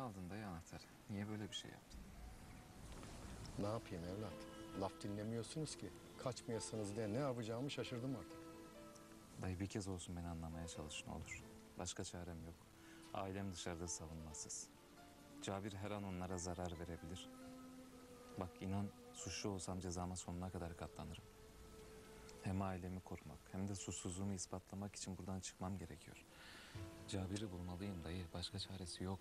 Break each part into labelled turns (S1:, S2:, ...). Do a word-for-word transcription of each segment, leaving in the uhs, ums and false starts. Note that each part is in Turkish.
S1: aldın dayı anahtarı. Niye böyle bir şey yaptın?
S2: Ne yapayım evlat? Laf dinlemiyorsunuz ki. Kaçmayasınız diye ne yapacağımı şaşırdım artık.
S1: Dayı bir kez olsun beni anlamaya çalış ne olur. Başka çarem yok. Ailem dışarıda savunmasız. Cabir her an onlara zarar verebilir. Bak inan suçlu olsam cezama sonuna kadar katlanırım. Hem ailemi korumak hem de suçsuzluğumu ispatlamak için buradan çıkmam gerekiyor. Cabir'i bulmalıyım dayı. Başka çaresi yok.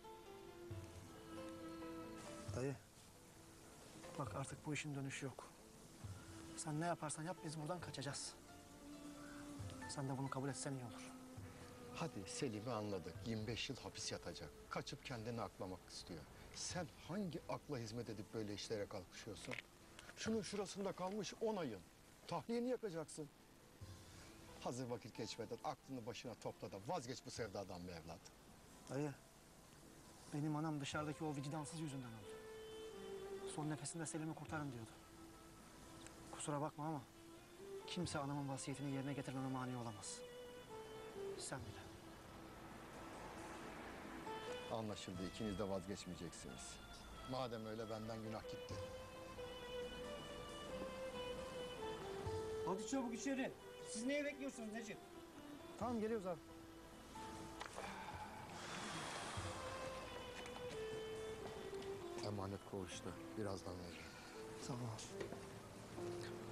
S3: Dayı, bak artık bu işin dönüşü yok. Sen ne yaparsan yap biz buradan kaçacağız. Sen de bunu kabul etsen iyi olur.
S2: Hadi Selim'i anladık. yirmi beş yıl hapis yatacak. Kaçıp kendini aklamak istiyor. Sen hangi akla hizmet edip böyle işlere kalkışıyorsun? Şunun şurasında kalmış on ayın. Tahliyeni yakacaksın. Hazır vakit geçmeden aklını başına topla da vazgeç bu sevdadan be evlat.
S3: Dayı, benim anam dışarıdaki o vicdansız yüzünden öldü. Son nefesinde Selim'i kurtarın diyordu. Kusura bakma ama kimse anamın vasiyetini yerine getirmeme mani olamaz. Sen bile.
S2: Anlaşıldı. İkiniz de vazgeçmeyeceksiniz. Madem öyle benden günah gitti.
S4: Hadi çabuk içeri. Siz neye bekliyorsunuz Necip?
S3: Tamam geliyoruz abi.
S2: Emanet koğuşta. Birazdan vereceğim.
S3: Sağ ol abi.